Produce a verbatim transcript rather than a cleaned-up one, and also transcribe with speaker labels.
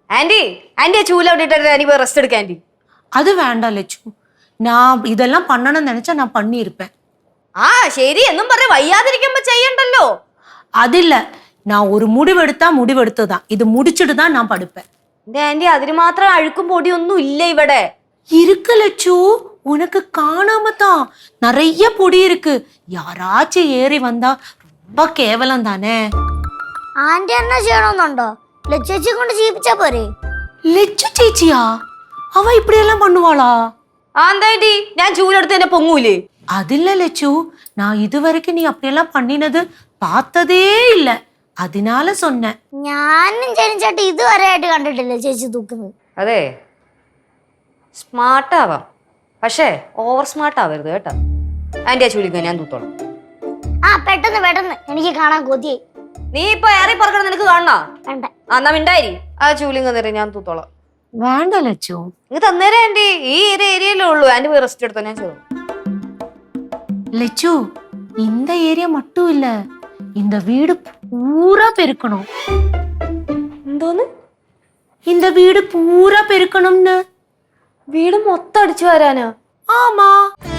Speaker 1: Aunty aunty ചൂല വിട്ടിട്ട് anti പോയി rest എടുക്ക ആന്റി.
Speaker 2: அது வேண்டாம் லட்சு. நான் இதெல்லாம் பண்ணணும்னு நினைச்சா நான் பண்ணியிருப்பேன்.
Speaker 1: ആ ശരി എന്നും പറഞ്ഞ് വയ്യാതിരിക്കുമ്പോ ചെയ്യണ്ടല്ലോ.
Speaker 2: അതില്ല, நான் ஒரு முடிவெடுத்தா முடிவெடுத்ததான். இது முடிச்சிட்டு தான் நான் படுப்பேன்.
Speaker 1: എന്റെ ആന്റി അതിന് മാത്രം അഴുക്കും പൊടിയൊന്നും ഇല്ല ഇവിടെ.
Speaker 2: இருக்கு லட்சு, உனக்கு காணாம தான் நிறைய பொடி இருக்கு. யாராச்சும் ஏறி வந்தா ரொம்ப கேவலம் தானே.
Speaker 3: ആന്റി എന്നാ ചെയ്യണമെന്നുണ്ടോ? ലച്ചേച്ചി കൊണ്ട് ചെയ്യിപ്പിച്ചാ പോരെ?
Speaker 2: லட்சு ചേച്ചിയാ? അവ இப்படியெல்லாம் பண்ணுவாளா?
Speaker 1: ആ എന്താ ആന്റി ഞാൻ ചൂലെടുത്ത് എന്നെ പൊങ്ങൂലേ?
Speaker 2: அதில்ல லட்சு, நான் இதுவரைக்கும் நீ அப்படியெல்லாம் பண்ணினது பார்த்ததே இல்ல, அதனால சொன்னேன்.
Speaker 3: ഞാനും ചേച്ചി ഇതുവരെ ആയിട്ട് കണ്ടിട്ടില്ല ചേച്ചി തൂക്കുന്നത്.
Speaker 1: അതെ സ്മാർട്ട് ആവാം, പക്ഷേ ഓവർ സ്മാർട്ട് ആവരുത് കേട്ടോ. ആന്റി ആ ചൂലിക്ക ഞാൻ തൂത്തോളാം.
Speaker 3: ആ പെട്ടെന്ന് പെട്ടെന്ന്, എനിക്ക് കാണാൻ കൊതിയായി.
Speaker 1: നീ ഇപ്പൊ ഏറി പറക്കണം, നിനക്ക് കാണണോ?
Speaker 3: വേണ്ട.
Speaker 1: ആ എന്നാ മിണ്ടായി ആ ചൂലിങ് തന്നേരെ ഞാൻ തൂത്തോളാം.
Speaker 2: വേണ്ട ലച്ചു,
Speaker 1: നിങ്ങൾ തന്നേരെ ആന്റി, ഈ ഒരു ഏരിയയിലേ ഉള്ളൂ. ആന്റി പോയി റെസ്റ്റ് എടുത്തോ, ഞാൻ ചെയ്തു.
Speaker 2: லட்சு இந்த ஏரியா மட்டும் இல்ல, இந்த வீடு பூரா பெருக்கணும்.
Speaker 1: എന്തോന്ന്?
Speaker 2: இந்த வீடு பூரா பெருக்கணும்னு.
Speaker 1: വീട് മൊത്തം അടിച്ചു വരാനോ?
Speaker 2: ஆமா.